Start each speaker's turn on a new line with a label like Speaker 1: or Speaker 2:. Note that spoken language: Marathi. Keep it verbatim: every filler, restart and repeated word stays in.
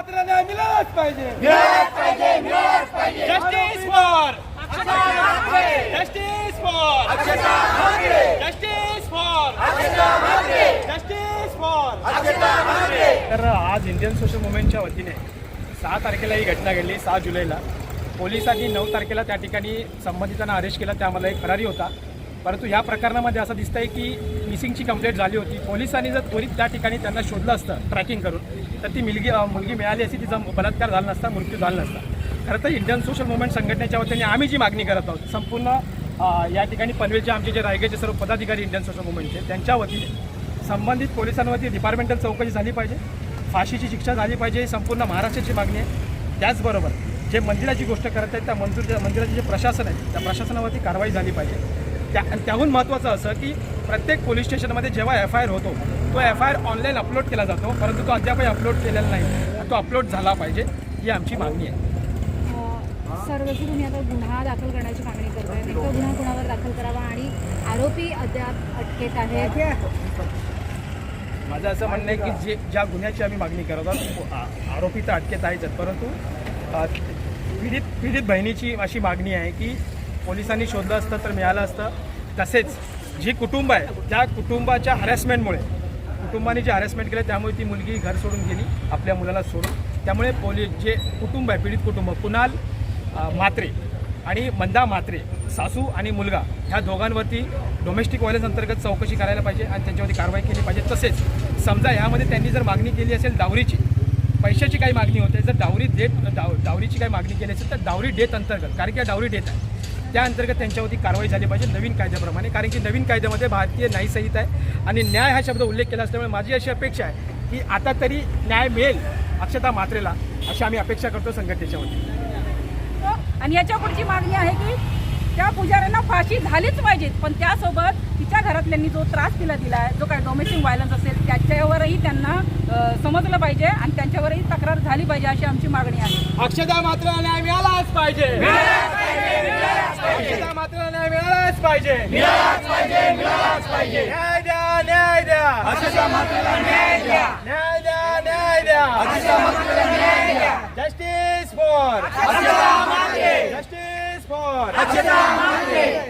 Speaker 1: मात्र न्याय मिळालाच पाहिजे.
Speaker 2: Justice for justice for justice for justice for.
Speaker 3: तर आज इंडियन सोशल मुवमेंटच्या वतीने सहा तारखेला ही घटना घडली. सहा जुलैला पोलिसांनी नऊ तारखेला त्या ठिकाणी संबंधितांना अरेस्ट केला. त्यामध्ये एक फरारी होता. परंतु ह्या प्रकरणामध्ये असं दिसतंय की मिसिंगची कंप्लेंट झाली होती. पोलिसांनी जर त्वरित त्या ठिकाणी त्यांना शोधलं असतं ट्रॅकिंग करून तर ती मुलगी मुलगी मिळाली असती. तिचा बलात्कार झाला नसता, मृत्यू झाला नसता. खरं तर इंडियन सोशल मुवमेंट संघटनेच्या वतीने आम्ही जी मागणी करत आहोत संपूर्ण या ठिकाणी पनवेलचे आमचे जे रायगडचे सर्व पदाधिकारी इंडियन सोशल मुवमेंटचे त्यांच्या वतीने संबंधित पोलिसांवरती डिपार्टमेंटल चौकशी झाली पाहिजे, फाशीची शिक्षा झाली पाहिजे. ही संपूर्ण महाराष्ट्राची मागणी आहे. त्याचबरोबर जे मंदिराची गोष्ट करत आहेत त्या मंदिर मंदिराचे जे प्रशासन आहे त्या प्रशासनावरती कारवाई झाली पाहिजे. त्या त्याहून महत्त्वाचं असं की प्रत्येक पोलीस स्टेशनमध्ये जेव्हा एफ आय आर होतो तो F I R online upload केला जातो, परंतु तो अद्यापही अपलोड केलेला नाही. तो अपलोड झाला पाहिजे ही आमची मागणी आहे.
Speaker 4: सर, जसं तुम्ही आता गुन्हा दाखल करण्याची मागणी करताय, नेमका गुन्हा कुणावर दाखल करावा आणि आरोपी अद्याप अटकेत आहेत?
Speaker 3: माझं असं म्हणणं आहे की जे ज्या गुन्ह्याची आम्ही मागणी करत आहोत आरोपी तर अटकेत आहेच, परंतु पीडित पीडित बहिणीची अशी मागणी आहे की पोलिसांनी शोधलं असतं तर मिळालं असतं. तसेच जी कुटुंब आहे त्या कुटुंबाच्या हॅरेसमेंटमुळे कुटुंबाने जे हॅरेसमेंट केलं त्यामुळे ती मुलगी घर सोडून गेली आपल्या मुलाला सोडून. त्यामुळे पोलीस जे कुटुंब आहे पीडित कुटुंब कुणाल म्हात्रे आणि मंदा म्हात्रे सासू आणि मुलगा ह्या दोघांवरती डोमेस्टिक व्हायलन्स अंतर्गत चौकशी करायला पाहिजे आणि त्यांच्यावरती कारवाई केली पाहिजे. तसेच समजा यामध्ये त्यांनी जर मागणी केली असेल डावरीची, पैशाची काही मागणी होते, जर डावरी डेट डाव डावरीची काही मागणी केली असेल तर डावरी डेट अंतर्गत, कारण की डावरी डेट आहे त्या अंतर्गत त्यांच्यावरती कारवाई झाली पाहिजे नवीन कायद्याप्रमाणे. कारण की नवीन कायद्यामध्ये भारतीय न्याय संहिता आहे आणि न्याय हा शब्द उल्लेख केला असल्यामुळे माझी अशी अपेक्षा आहे की आता तरी न्याय मिळेल अक्षता म्हात्रेला, अशी आम्ही अपेक्षा करतो संघटनेच्या वतीने.
Speaker 5: आणि याच्या पुढची मागणी आहे की त्या पुजाऱ्यांना फाशी झालीच पाहिजे, पण त्यासोबत तिच्या घरातल्यांनी जो त्रास तिला दिला आहे, जो काही डोमेस्टिक व्हायलन्स असेल त्याच्यावरही त्यांना समजलं पाहिजे आणि त्यांच्यावरही तक्रार झाली पाहिजे अशी आमची मागणी आहे.
Speaker 1: अक्षता मात्र न्याय मिळालाच पाहिजे. अक्षता मात्र न्याय मिळालाच पाहिजे. न्याय द्या, न्याय द्या. अक्षता मात्रला न्याय द्या. न्याय द्या, न्याय द्या. अक्षता मात्रला न्याय द्या. Justice for justice for